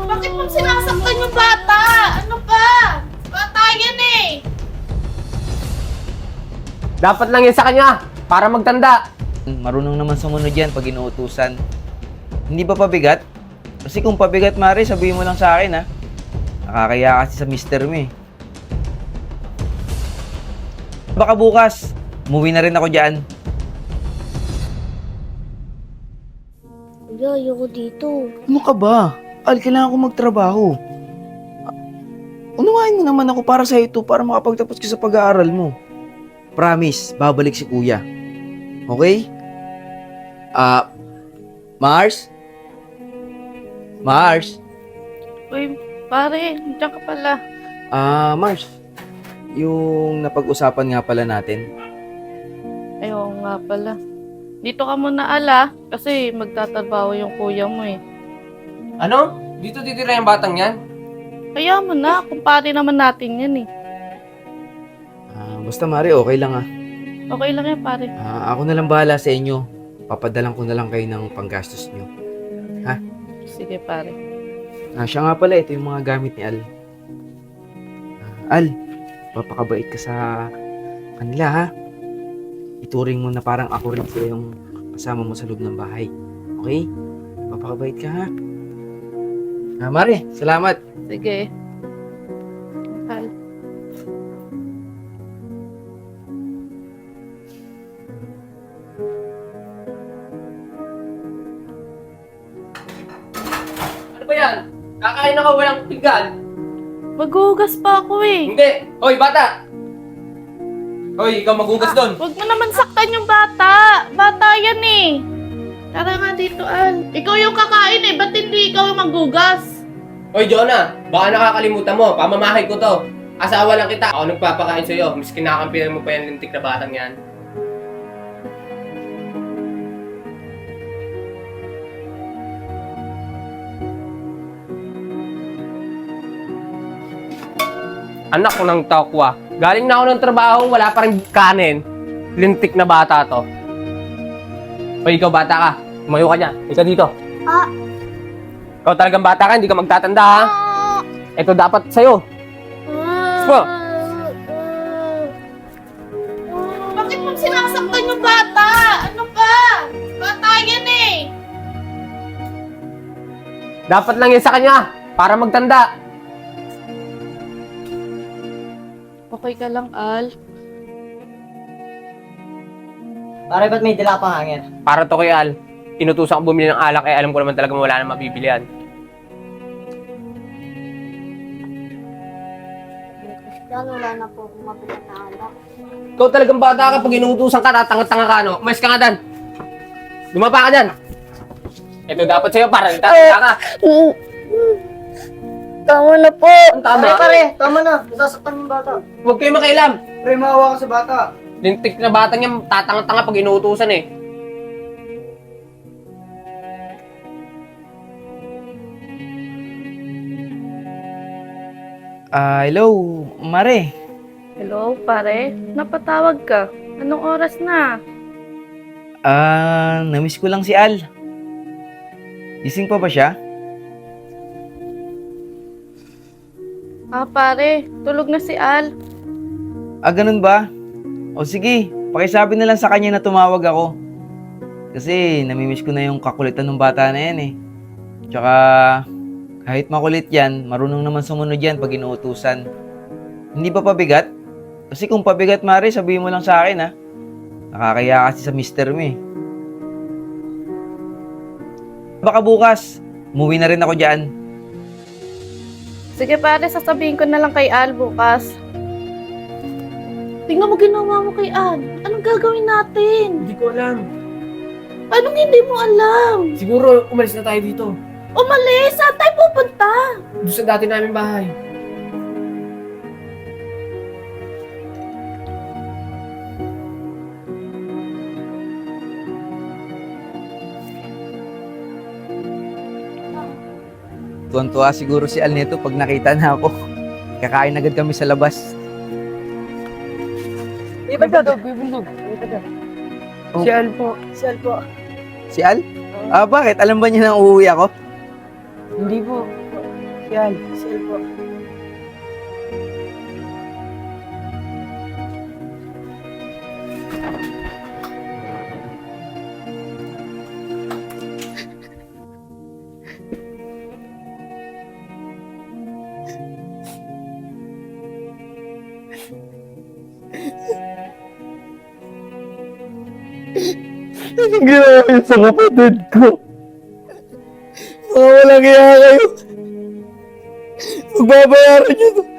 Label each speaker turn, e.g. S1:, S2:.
S1: Bakit mo sinasaktan yung bata? Ano ba? Bata yan eh!
S2: Dapat lang yan sa kanya, para magtanda.
S3: Marunong naman sumunod yan pag inuutusan. Hindi ba pabigat? Kasi kung pabigat, Mare, sabihin mo lang sa akin, ha? Nakakaya kasi sa mister mo, eh. Baka bukas, umuwi na rin ako dyan.
S4: Kuya, ayoko dito.
S3: Ano ka ba? Al, kailangan ko magtrabaho. Unawain mo naman ako para sa ito, para makapagtapos ka sa pag-aaral mo. Promise, babalik si kuya. Okay? Mars? Mars?
S1: Uy, pare, nandiyan ka pala.
S3: Mars, yung napag-usapan nga pala natin.
S1: Ayaw nga pala. Dito ka muna ala, kasi magtatrabaho yung kuya mo eh.
S2: Ano? Dito titira yung batang yan?
S1: Kaya mo na, kumpare naman natin yan eh.
S3: Basta Mari, okay lang ah.
S1: Okay lang yan pare.
S3: Ako na lang bahala sa inyo. Papadalan ko na lang kayo ng panggastos nyo.
S1: Sige pare.
S3: Siya nga pala, ito yung mga gamit ni Al. Al, papakabait ka sa kanila ha. Ituring mo na parang ako rin sila yung kasama mo sa loob ng bahay. Okay? Papakabait ka ha. Mare, salamat.
S1: Sige. Al.
S2: Ano ba yan? Kakain ako walang pinggan.
S1: Maghugas pa ako eh.
S2: Hindi! Hoy, bata! Hoy, ikaw maghugas doon.
S1: Huwag mo naman saktan yung bata. Bata yan eh. Tara nga dito, Al. Ikaw yung kakain eh. Ba't hindi ikaw yung maghugas?
S2: Hoy, Jonah! Baka nakakalimutan mo. Pamamahay ko to. Asawa lang kita. Ako nagpapakain sa'yo. Mas kinakampihan mo pa yung lintik na batang yan. Anak ko ng tokwa. Galing na ako ng trabaho, wala pa rin kanin. Lintik na bata to. Hoy, ikaw bata ka. Tumayo ka niya. Ika dito. Ikaw talagang bata ka, hindi ka magtatanda ha. Ito dapat sa'yo. Po.
S1: Bakit mo sinasaktan yung bata? Ano ba? Bata yan eh.
S2: Dapat lang yan sa kanya, para magtanda.
S1: Okay ka lang, Al.
S5: Pare, ba't may dila pang hangin?
S2: Para to kay Al. Inutusan ko bumili ng alak, eh alam ko naman talaga wala nang mabibilihan.
S4: Yan, wala na po akong mabili na alak.
S2: Ikaw talagang bata ka, pag inutusan ka, tatanga-tanga ka, no? Umayos ka nga dan. Lumapa ka dyan. Ito dapat sa'yo, para tatanga ka.
S4: Tama na po.
S2: Tama.
S5: Pare, tama na. Nasasaktan yung bata.
S2: Huwag kayo makialam.
S5: Pre, maawa ka sa bata.
S2: Lintik na batang yan, tatanga-tanga pag inuutusan eh.
S3: Hello, Mare.
S1: Hello, pare. Napatawag ka. Anong oras na?
S3: Namiss ko lang si Al. Gising pa ba siya?
S1: Pare. Tulog na si Al.
S3: Ganun ba? O sige, pakisabi na lang sa kanya na tumawag ako. Kasi namimiss ko na yung kakulitan ng bata na yan eh. Tsaka kahit makulit yan, marunong naman sumunod yan pag inuutusan. Hindi ba pabigat? Kasi kung pabigat, Mare, sabihin mo lang sa akin ha. Nakakaya kasi sa mister mo eh. Baka bukas, umuwi na rin ako dyan.
S1: Sige pare, sasabihin ko na lang kay Al bukas. Tingnan mo ginawa mo kay Al. Anong gagawin natin?
S2: Hindi ko alam.
S1: Anong hindi mo alam?
S2: Siguro umalis na tayo dito.
S1: Umalis! Saan tayo pupunta?
S2: Doon sa dati namin bahay.
S3: Tuwan-tuwa siguro si Al nito pag nakita na ako. Kakain agad kami sa labas.
S5: Ibagdog.
S3: Oh.
S5: Si Al po. Si Al po.
S3: Si Al? Bakit? Alam ba niya na uuwi ako? Hindi po. Yan.
S5: Sale po.
S3: Anong ginawa niyo sa kapatid ko? Mga walang iya kayo. Magbabayaran niyo to.